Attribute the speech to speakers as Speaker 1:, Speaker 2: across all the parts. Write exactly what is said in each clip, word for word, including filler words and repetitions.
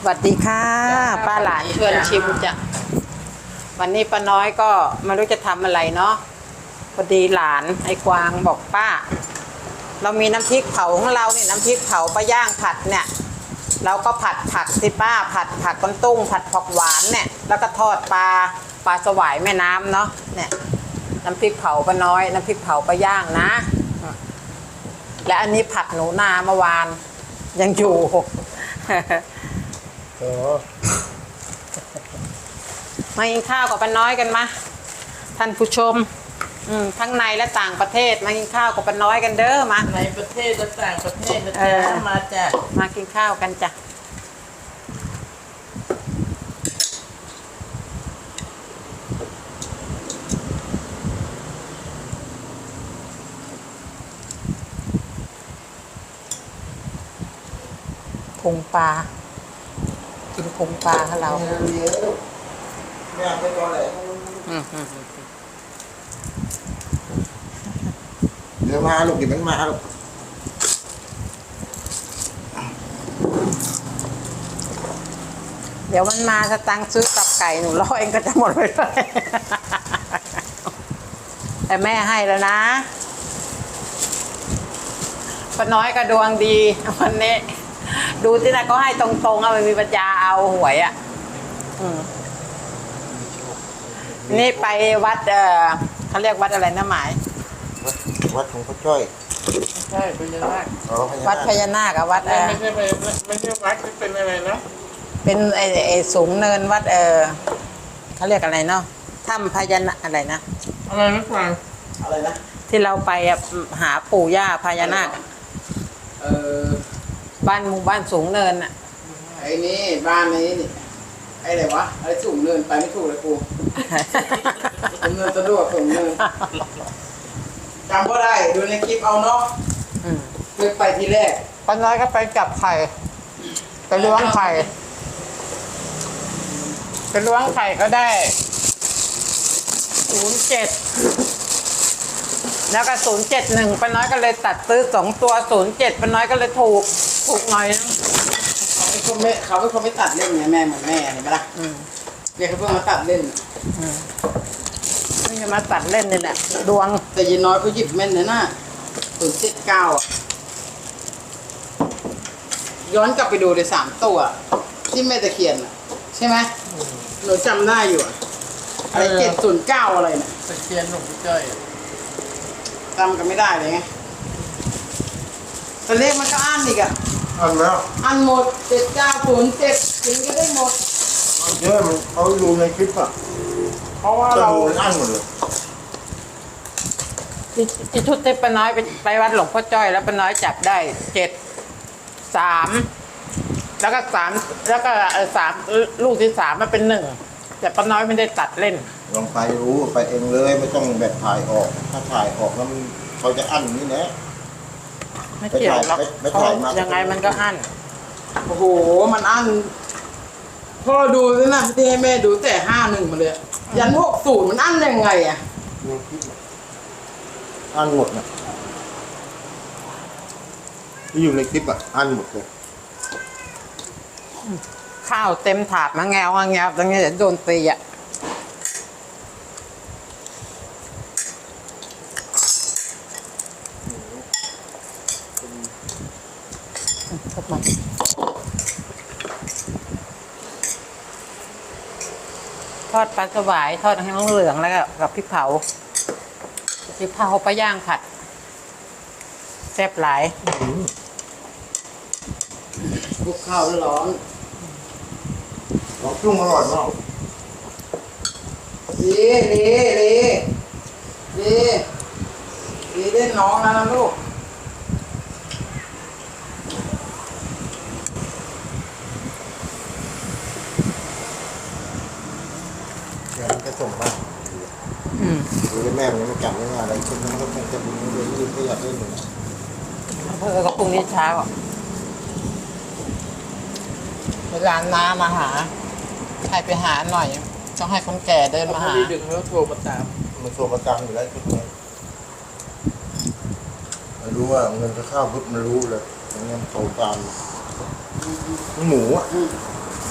Speaker 1: สวัสดีค่ะป้าหลานชวนชิมจ้ะวันนี้ป้าน้อยก็ไม่รู้จะทำอะไรเนาะพอดีหลานไอ้กวางบอกป้าเรามีน้ำพริกเผาของเราเนี่ยน้ำพริกเผาปลาย่างผัดเนี่ยเราก็ผัดผักสิป้าผัดผักก้นตุ้งผัดผักหวานเนี่ยแล้วก็ทอดปลาปลาสวายแม่น้ำเนาะเนี่ยน้ำพริกเผาป้าน้อยน้ำพริกเผาปลาย่างนะและอันนี้ผัดหนูนาเมื่อวานยังอยู่มากินข้าวกับป้าน้อยกันมาท่านผู้ชมทั้งในและต่างประเทศมากินข้าวกับป้าน้อยกันเด้อมา
Speaker 2: ในประเทศและต่างประเทศนะจ๊ะมาจ้ะ
Speaker 1: มากินข้าวกันจ้ะพุงปลากินพุงปลาของเรา
Speaker 3: เดี๋ยวมาลูกกินมันมาลูก
Speaker 1: เดี๋ยวมันมาสตังค์ซื้อตับไก่หนูรอเองก็จะหมดไปเลยแต่แม่ให้แล้วนะป้าน้อยก็ดวงดีวันนี้ดูที่ไหนก็ให้ตรงๆเอาไม่มีปัญญาเอาหวยอ่ะนี่ไปวัดเออเขาเรียกวัดอะไรนะหมาย
Speaker 3: วัดของพ่อจ้อย
Speaker 2: ใช่พญานาค
Speaker 1: วัดพญานาคอะวัดเออ
Speaker 2: ไม่ใช่ไม่ใช่วัดที่เป็นอะไรนะ
Speaker 1: เป็นไอ้ไอ้สูงเนินวัดเออเขาเรียกอะไรเนาะถ้ำพญานาคอะไรนะ
Speaker 2: อะไรนะกวาง
Speaker 3: อะไรนะ
Speaker 1: ที่เราไปหาปู่ย่าพญานาค
Speaker 3: เออ
Speaker 1: บ้านหมู่บ้านสูงเนินอะ
Speaker 3: ไอ้นี่บ้านนี้นี่ไอ้ไหนวะไอ้สูงเนินไปไม่ถูกเลยกูสูงเนินสะดวกสูงเนินจำก็ได้ดูในคลิปเอาเนาะเคยไปทีแรก
Speaker 1: ป้าน้อยก็ไปจับไข่ไปล้วงไข่ไปล้วงไข่ก็ได้ศูนย์เจ็ดแล้วก็ศูนย์เจ็ดหนึ่งป้าน้อยก็เลยตัดซื้อสองตัวศูนย์เจ็ดป้าน้อยก็เลยถูกถูกหน่อยนะ
Speaker 3: เขาเป็นคนไม่เขาเป็นคนไม่ตัดเล่นไงแม่เหมือนแม่เห็นไหมล่ะเรียกเขาเพิ่งมาตัดเล่น
Speaker 1: นี่จะมาตัดเล่นนี่แหละดวง
Speaker 3: แต่ยีน้อยก็หยิบแม่นเลยนะศูนย์เจ็ดเก้าอ่ะย้อนกลับไปดูเลยสามตัวที่แม่ตะเคียนอ่ะใช่ไหมหนูจำได้อยู่อะไรเจ็ดศูนย์เก้าอะไรเนี่ย
Speaker 2: ตะเคียนหลวงพ่อจ้อย
Speaker 3: จำกันไม่ได้เลยไงแต่เลขมันก็อ่านอีกอ่ะอ่านแล้วอ่านหมดเจ็ดเก้าศูนย์เจ็ดถึงก็ได้หมดเยอะมันเขาดูในคลิปอ่ะเพราะว่าเราอ่านหมดเลย
Speaker 1: ที่ชุดที่ป้าน้อยไปไปวัดหลวงพ่อจ้อยแล้วป้าน้อยจับได้เจ็ดสามแล้วก็สามแล้วก็สามลูกที่สามมันเป็นหนึ่งแต่ป้าน้อยไม่ได้ตัดเล่น
Speaker 3: ลองไปรู้ไปเองเลยไม่ต้องแบบถ่ายออกถ้าถ่ายออกแล้วมันเขาจะอั้นนี่แหละ
Speaker 1: ไม่เกี่ยวหรอกยังไงมันก็อั้น
Speaker 3: โอ้โหมันอั้นพ่อดูสินะที่ให้แม่ดูแต่ห้าหนึ่งมาเลยยันหกศูนย์มันอั้นยังไงอ่ะอั้นหมดนะที่อยู่ในคลิปอ่ะอั้นหมดเลย
Speaker 1: ข้าวเต็มถาดมาแงวมาแงวตรงนี้จะโดนตีอ่ะทอดปลาสวายทอดให้เหลืองแล้วก็กับพริกเผาพริกเผาปลาย่างผัดแซ่บหลาย
Speaker 3: คลุกข้าวร้อนลองจุ่มอร่อยมากดีดีดีดีดีเล่นน้องนะนะลูกเดี๋ยวมันจะส่งบ้างดูแม่มันยังไม่กลับไม่มาอะไรคุณมันก็คงจะบุญเรื่องยืดไม่อยากเล่นอยู่
Speaker 1: เพื่อก็พรุ่งนี้เช้าเวลาน้ามาหาใครไปหาหน่อยต้องให้คนแก่เดินมาหา
Speaker 2: ดึงแล้วโทรมาตาม
Speaker 3: มันโทรมาตามอยู่แล้วทุกคนมันรู้ว่าเงินจะเข้าปุ๊บมันรู้เลยเงินโทรตามหมูอ่ะ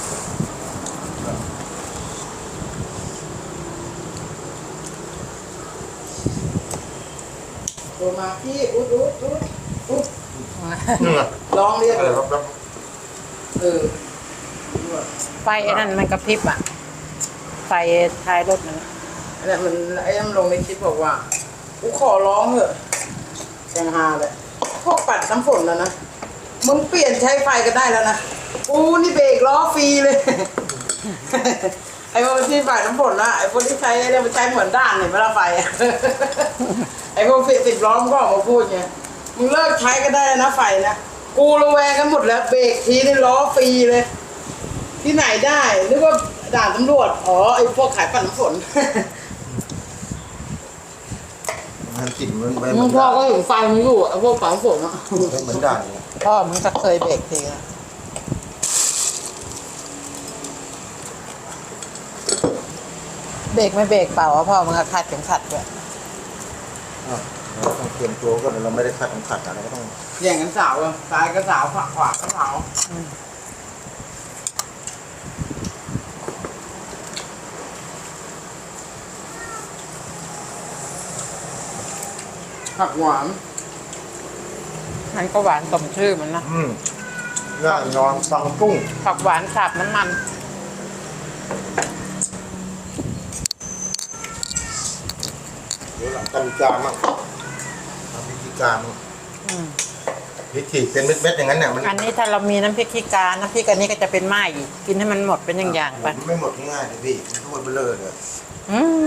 Speaker 3: ตัวมาพี่อุ๊ดอุ๊ดอุ๊ดอุ๊ด
Speaker 2: นี่ไง
Speaker 3: ร้องเรียก
Speaker 2: อะไรครับครับ
Speaker 3: เออ
Speaker 1: ไฟไอ้นั่นมันกระพริบอ่ะ ไฟท้ายรถมัน
Speaker 3: อันนี้มันไอ้นั่นลงในคลิปบอกว่ากูขอร้องเถอะแกงฮาเลยพวกปัดน้ำฝนแล้วนะมึงเปลี่ยนใช้ไฟก็ได้แล้วนะกูนี่เบรกล้อฟรีเลย ไอ้พวกที่ปัดน้ำฝนนะไอ้พวกที่ใช้เนี่ยมันใช้เหมือนด้านเนี่ยเวลาไฟอะ ไอ้พวกสิบสิบล้อมนก็ออกมาพูดไงมึงเลิกใช้ก็ได้นะไฟนะกูระแวงกันหมดแล้วเบรกทีนี่ล้อฟรีเลย ที่ไหนได้นึกว่าด่านตำรวจอ๋อไอ้พวกขายปั่นน้ำฝน
Speaker 4: มันกลิ่นมันไป
Speaker 3: มึงพ่อก็ถึงไฟมึงอยู่ไอ้พวกปั่นน้ำฝนอ่ะ
Speaker 4: เหมือนด่างเนี่ย
Speaker 1: พ่อมึงก็เคยเบรกทีอะเบรกไม่เบรกเปล่าอะพ่อมึงก็คาดเข็มขัดด้วย
Speaker 4: อ่ะเราต้องเตรียมตัวก่อนเราไม่ได้คัดของขัดอะเราก็ต้อง
Speaker 3: แย่งกันสาวอะซ้ายก็สาวขวาขวาก็สาวผักหวาน
Speaker 1: มันก็หวานสมชื่อมันนะ
Speaker 4: อืมง่ายนอนฟังกุ้ง
Speaker 1: ผักหวานสับน้ำมัน
Speaker 4: เดี๋ยวหลังกันการมั่งทำพิธีการมั่ง
Speaker 1: อืม
Speaker 4: พิธีเป็นเม็ดๆอย่างนั้นเนี่ยมัน
Speaker 1: อันนี้ถ้าเรามีน้ำพริกขี้กา น้ำพริกอันนี้ก็จะเป็นไม้อีกกินให้มันหมดเป็นอย่างๆไป
Speaker 4: ไม่หมดง่ายๆเลยพี่ทุกคนเบลอเลย
Speaker 1: อืม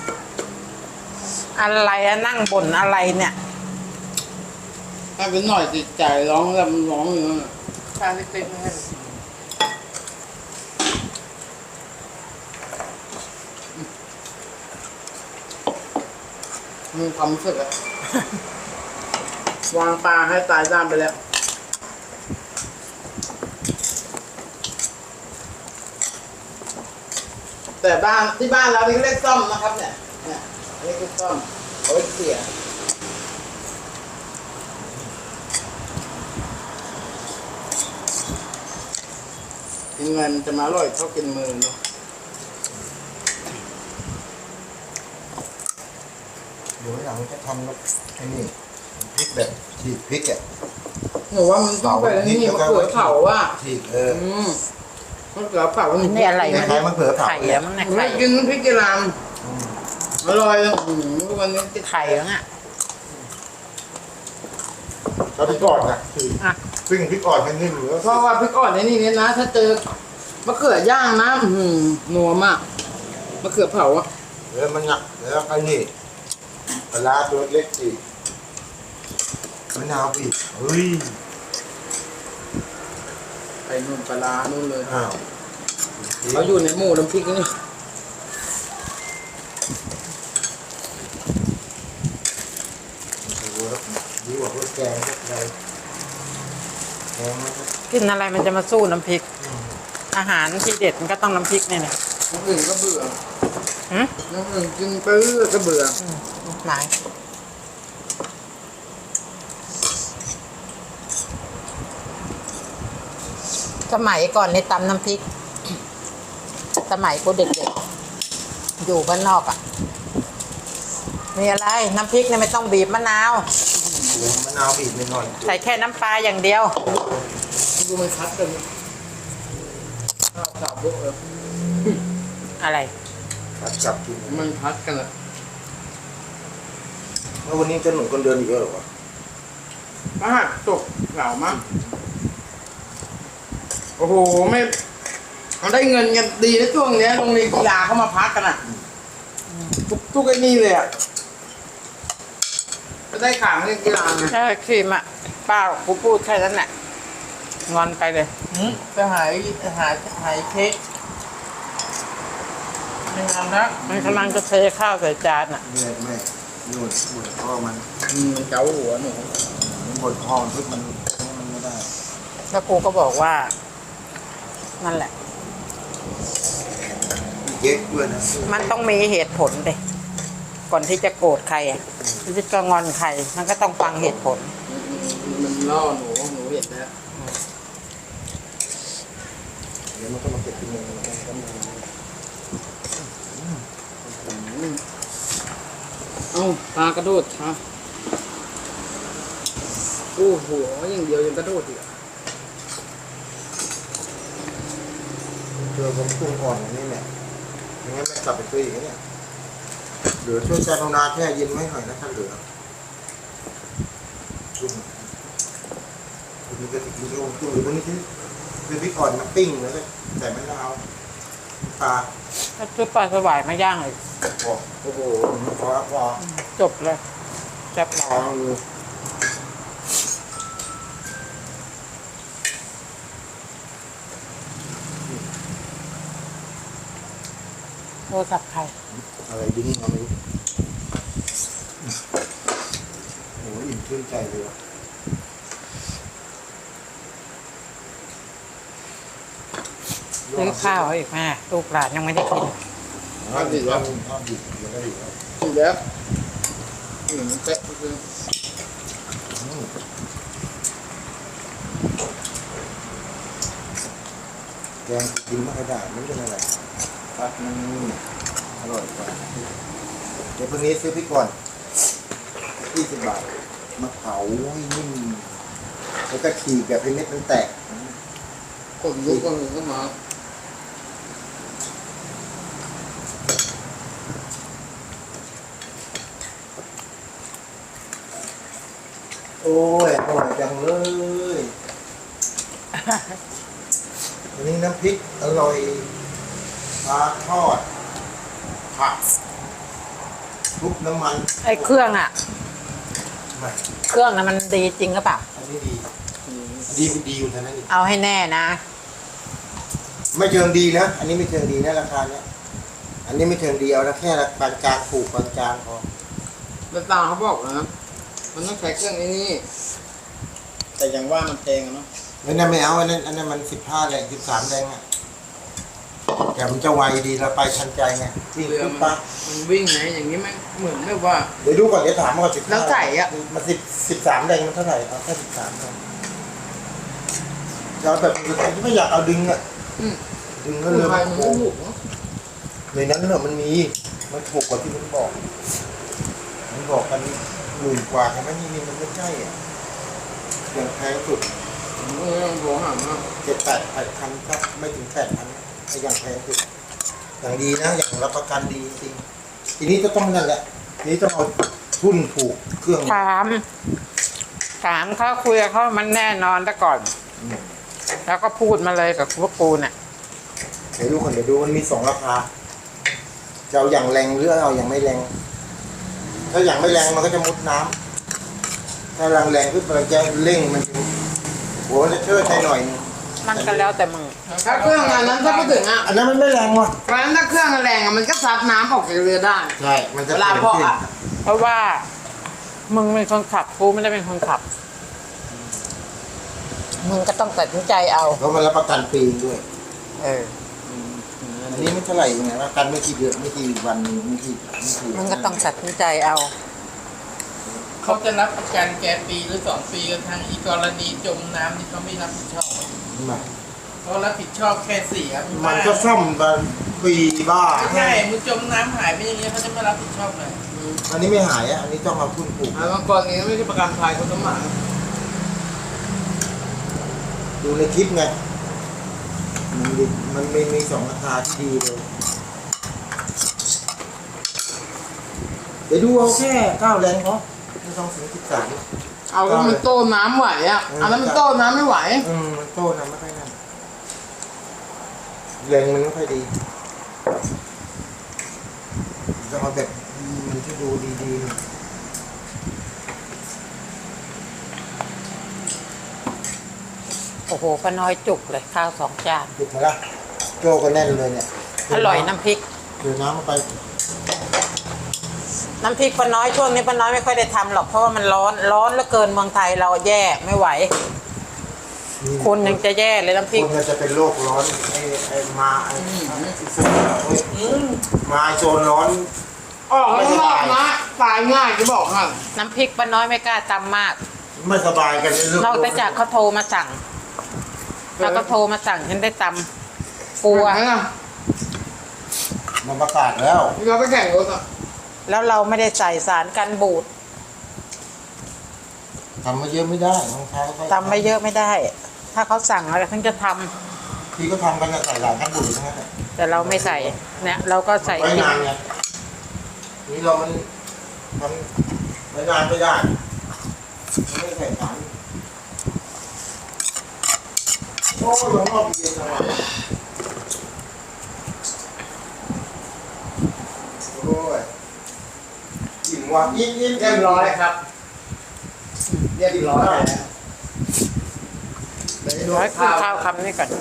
Speaker 1: อะไรอะนั่งบ่นอะไรเนี่ย
Speaker 3: ถ้าเป็นหน่อยติดใจร้องแล้วมันร้องอยู่นั่นน่ะชาเล็กๆไม่ให้มันมีความรู้สึกอะ วางปลาให้ตายด้านไปแล้ว แต่บ้านที่บ้านเรานี่เรียกซ่อมนะครับเนี่ยเนี่ยอันนี้คือซ่อมเอาไว้เสียกินเงินจะมาอร่อยเท่ากินมือเนาะ
Speaker 4: เดี๋ยวหลังจะทำแบบไอ้นี่พริกแบบฉีกพริกอ่ะ
Speaker 3: หนูว่ามันต้องไปนี่มะเขือเผาว่ะ
Speaker 4: ฉีกเออ
Speaker 3: อืมมะเขือเผา
Speaker 1: อันนี้อะไร
Speaker 4: คล้ายๆมะเขือเผา
Speaker 1: ไข่อะมั้งเนี่ย
Speaker 3: ไม่
Speaker 1: ไข่
Speaker 3: กินพริกกะหล่ำอร่อยอืมวันนี้ติด
Speaker 1: ไข่มั้งอ่ะ
Speaker 4: เราพริกอ่อนนะฉีก
Speaker 1: อ่ะ
Speaker 4: ซึ่งพริกอ่อนแค่นี้เหลือ
Speaker 3: เพราะว่าพริกอ่อนในนี่เนี่ยนะ ถ้าเจอมะเขือย่างนะอื้อหือนัวมากมะเขือเผาอ่ะ
Speaker 4: แล้วมันหนักแล้วไอ้นี่ปลาร้าตัวเล็กฉีกมะนาวอีกเฮ้ย
Speaker 3: ไปนู่นปลาร้านู่นเลย
Speaker 4: อ้าว
Speaker 3: เขาอยู่ในหมู่น้ำพริกนี่
Speaker 4: โอ้โหแล้วดีกว่าพวกแกงพวกอะไรแกงมันก็
Speaker 1: กินอะไรมันจะมาสู้น้ำพริก อาหารที่เด็ดมันก็ต้องน้ำพริกเนี่ยนะ
Speaker 3: น้ำอื่นก็เบื่อ
Speaker 1: หืม
Speaker 3: น้ำอื่นกินปื้อก็เบื่อ
Speaker 1: หมายสมัยก่อนในตำน้ำพริก สมัยกูเด็กๆอยู่บ้านนอกอ่ะ มีอะไร น้ำพริกเนี่ยไม่ต้องบีบมะนาว
Speaker 4: มะนาวบีบนิดหน่อย
Speaker 1: ใส่แค่น้ำปลาอย่างเดียว
Speaker 3: ดูมันคัดกันข้าวสาบบุกเลย
Speaker 1: อะไร
Speaker 4: ตัดกลับกิน
Speaker 3: มันคัดกันอะ
Speaker 4: แล้ววันนี้จะหนุนคนเดินอีกเยอะหรอวะ
Speaker 3: ป้าตกเหล่ามากโอ้โหไม่มันได้เงินกันดีนะช่วงเนี้ยโรงเรียนกีฬาเขามาพักกันอ่ะทุกทุกไอ้นี่เลยอ่ะก็ได้ข่าวเล่นกีฬาไง
Speaker 1: ใช่ครีมอ่ะป้ากูพูดแค่นั้นแหละงอนไปเลย
Speaker 3: จะหายหายหายเค้กไม่งานนะ
Speaker 1: มันกำลังจะเทข้าวใส่จานอ่ะ
Speaker 4: ไม่ไม่นู่นบ่นพ่อมัน
Speaker 3: อืมเจ้าหัวหนู
Speaker 4: มันบ่นพ่อมันทุกมันมันไม่ได้
Speaker 1: แล้วกูก็บอกว่า นั่นแหละ
Speaker 4: เย็กด้วยนะ
Speaker 1: มันต้องมีเหตุผลเดยก่อนที่จะโกรธใครอ่ะที่จะงอนใคร มันก็ต้องฟังเหตุผล
Speaker 3: มันล่อหนูหนูเห็นแล้ว
Speaker 4: เดี๋ยวมันก็มาเก็บที่มือมันก็มา
Speaker 3: เอ้าปลากระโดดค่ะโอ้โหอย่างเดียวยังกระโดดอีกอะ
Speaker 4: เจอผมปรุงอ่อนอย่างนี้เนี่ยไม่งั้นไม่กลับไปซื้ออีกนะเนี่ยเหลือช่วยการุณาแช่เย็นไว้หน่อยนะถ้าเหลือจุ่มคุณมีกระติกมีโรงจุ่มหรือพวกนี้ที่คือพริกอ่อนมาปิ้งแล้วก็ใส่มะนาวปลา
Speaker 1: ถ้าซื้อปลาสวายมาย่างเลย
Speaker 4: พอโอ้โหพอพอ
Speaker 1: จบเลยแซ่บ
Speaker 4: พ
Speaker 1: ร้
Speaker 4: อ
Speaker 1: อย
Speaker 4: เลย
Speaker 1: โทรศัพท์ใคร
Speaker 4: อะไรดิ้งมาไม่รู้โอ้โหอิ่มชื่นใจเลยว่ะ
Speaker 1: ซื้อข้าวให้อีกแม่ลูกหลานยังไม่ได้กิน
Speaker 4: ทอดดิบแล้วทอดดิบยังไม่ดิบแล้ว
Speaker 3: ถูกแล้วอืมเป๊ะคือ
Speaker 4: อืมแกงกินไม่ค่อยได้ไม่เป็นอะไรผัดมันอร่อยกว่าเดี๋ยวพรุ่งนี้ซื้อพริกก่อนยี่สิบบาทมาเผาให้นิ่มแล้วก็ฉีกแบบให้เม็ดมันแตก
Speaker 3: คนลุกคนหนึ่งก็มา
Speaker 4: โอ้ยอร่อยจังเลยอันนี้น้ำพริกอร่อยปลาทอดผักคลุกน้ำมัน
Speaker 1: ไอ้เครื่องอ่ะ
Speaker 4: ไม่
Speaker 1: เครื่องน่ะมันดีจริงหรือเปล่า
Speaker 4: อันนี้ดีดีดีอยู่เท่านั้นเอง
Speaker 1: เอาให้แน่นะ
Speaker 4: ไม่เชิงดีนะ อันนี้ไม่เชิงดีนะราคาเนี้ยอันนี้ไม่เชิงดีเอาละแค่ละปานกลางถูกปานกลางพอ
Speaker 3: แล้วตาเขาบอกนะมันต้องใช้เครื่องไอ้นี่แต่อย่างว่ามันแพงอะเนาะ
Speaker 4: อันนั้นไม่เอาอันนั้นอันนั้นมันสิบห้าแรงสิบสามแรงอ่ะแต่มันจะไวดีเราไปทันใจไงวิ่ง
Speaker 3: เรือ
Speaker 4: ขึ้น
Speaker 3: มัน
Speaker 4: ปะ
Speaker 3: มันวิ่งไงอย่างนี้มันเหมือนแบบว่า
Speaker 4: เดี๋ยวดูก่อนเดี๋ยวถามก่อนสิบ
Speaker 3: แล้วใส่อะ
Speaker 4: มันสิบสิบสามแรงมันเท่าไหร่เอาแค่สิบสามแรงจะเอาแบบไม่อยากเอาดึงอ่ะ
Speaker 3: อืม
Speaker 4: ดึงก็
Speaker 3: คน
Speaker 4: เรือ
Speaker 3: ไท
Speaker 4: มั
Speaker 3: ย
Speaker 4: น
Speaker 3: มัน
Speaker 4: โค้
Speaker 3: ไม่
Speaker 4: ง
Speaker 3: ถูกเนาะ
Speaker 4: ในนั้นเนี่ยมันมีมันถูกกว่าที่มันบอกมันบอกกันหมื่นกว่าใช่ไหมนี่นี่มันไม่ใช่อ่ะอย่างแพงสุด
Speaker 3: ผมก็ต้องโทรหามา
Speaker 4: เจ็ดแปดพันครับไม่ถึงแปดพันไอ้อย่างแพงสุดอย่างดีนะอย่างรับประกันดีจริงทีนี้ก็ต้องนั่นแหละทีนี้ต้องเอาทุนถูกเครื่อง
Speaker 1: ถาม ถามเขาคุยกับเขามันแน่นอนแต่ก่อน
Speaker 4: อืม
Speaker 1: แล้วก็พูดมาเลยกับพวกกูน่ะ
Speaker 4: เดี๋ยวดูคนเดี๋ยวดูมันมีสองราคาจะเอาอย่างแรงหรือเอาอย่างไม่แรง ถ้าอย่างไม่แรงมันก็จะมุดน้ำถ้าแรงแรงขึ้นมันจะเร่งมันจะหัวมันจะเชิดใช้หน่อยนึง
Speaker 1: มันก็แล้วแต่มึง
Speaker 3: ถ้าเครื่องอันนั้นถ้าพูดถึงอ่ะ
Speaker 4: อันนั้นมันไม่แรงว่ะ
Speaker 3: เพราะฉะนั้นถ้าเครื่องแรงอ่ะมันก็ซับน้ำออกจากเรือได้
Speaker 4: ใช่มันจะ
Speaker 3: เวลาพอ
Speaker 4: ขึ้น
Speaker 3: อ่ะ
Speaker 1: เพราะว่ามึงเป็นคนขับกูไม่ได้เป็นคนขับ มึงก็ต้องตัดสินใจเอา
Speaker 4: เพราะมันรับประกันปีด้วย
Speaker 1: เออ
Speaker 4: อันนี้ไม่เท่าไหร่ไงประกันไม่กี่เดือนไม่กี่วันไม่กี่ไม่กี่
Speaker 1: มึงก็ต้องตัดสินใจเอา
Speaker 2: เขาจะรับประกันแกปีหรือสองปีกันทางอีกรณีจมน้ำนี่เขาไม่รับผิดชอบ
Speaker 4: มา
Speaker 2: เขารับผิดชอบแค่เสีย
Speaker 4: มันก็ซ่อมมาปีบ้า
Speaker 2: ไม่ใช่มึงจมน้ำหายไปอย่างเงี้ยเขาจะไม่รับผิดชอบเลย
Speaker 4: อันนี้ไม่หายอ่ะอันนี้ต้องเอาทุนปลูก
Speaker 3: อ่ะบางกรณีไม่ใช่ประกันภัยเขาต้องมา
Speaker 4: ดูในคลิปไงมันมีมันมีมีสองราคาที่ดีเลยเดี๋ยวดูเอาแค่เก้าแรงพอไม่ต้องถึงสิบสาม
Speaker 3: เอาแล้วมันโต้น้ำไหวอ่ะเอาแล้วมันโต้น้ำไม่ไหว
Speaker 4: อืมมันโตนะไม่ค่อยนั่นแรงมันไม่ค่อยดีจะเอาแบบมันที่ดูดีๆหน่อย
Speaker 1: โอ้โหป้าน้อยจุกเลยข้าวสองจาน
Speaker 4: หยุดมาละโจก็แน่นเลยเนี่ย
Speaker 1: อร่อยน้ำพริก
Speaker 4: เดี๋ยวน้ำมาไป
Speaker 1: น้ำพริกป้าน้อยช่วงนี้ป้าน้อยไม่ค่อยได้ทำหรอกเพราะว่ามันร้อนร้อนเหลือเกินเมืองไทยเราแย่ไม่ไหว คนยังจะแย่เลยน้ำพริก
Speaker 4: คนมันจะเป็นโรคร้อนไอ้ไอ้มาไอ้มาไอ้โซนร้อน
Speaker 3: ออกข้างนอกนะตายง่ายจะบอกค่ะ
Speaker 1: น้ำพริกป้าน้อยไม่กล้าตำมาก
Speaker 4: ไม่สบายกันเรื่อง
Speaker 1: นอกจากเขาโทรมาสั่งแล้วก็โทรมาสั่งฉันได้ตำกลัว
Speaker 3: เห็นไหมล่ะ
Speaker 4: มันประกาศแล้ว
Speaker 3: เราไปแข่งรถอ่ะ
Speaker 1: แล้วเราไม่ได้ใส่สารกันบูด
Speaker 4: ทำมาเยอะไม่ได้ต้องใช้ค่อยๆ
Speaker 1: ทำไม่เยอะไม่ได้ ถ้าเขาสั่งอะไรทั้งจะทำ
Speaker 4: พี่ก็ทำกันใส่หลายขั้นบุญทั้งนั้นแหละ
Speaker 1: แต่เราไม่ใส่เนี่ยเราก็ใส่
Speaker 4: ไว้
Speaker 1: กิน
Speaker 4: นานไงนี่เรามันทำไว้นานไม่ได้มันไม่ใส่สารโอ้ยหลวงพ่อเย็นจังวะโอ้ยอิ่มว่ะอิ่มอิ่ม
Speaker 3: เรียบร้อยครับ เรียบร้อยแล้ว
Speaker 1: ร้อยคือข้าวคำนี้ก่อน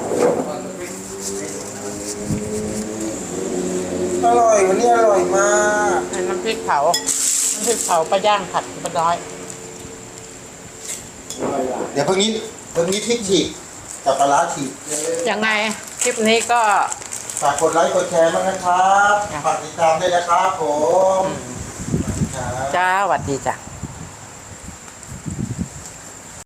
Speaker 4: อร่อยวันนี้อร่อยมาก
Speaker 1: น้ำพริกเผาน้ำพริกเผาปลาย่างผัดปลาน้อย
Speaker 4: เดี๋ยวเพิ่งนี้เพิ่งนี้พริกฉีกกับปลาร้าฉีก
Speaker 1: ยังไงคลิปนี้ก็
Speaker 4: ฝากกดไลค์กดแชร์มากนะครับฝากติดตามด้วยนะครับผมครับ
Speaker 1: จ้าสวัสดีจ้ะ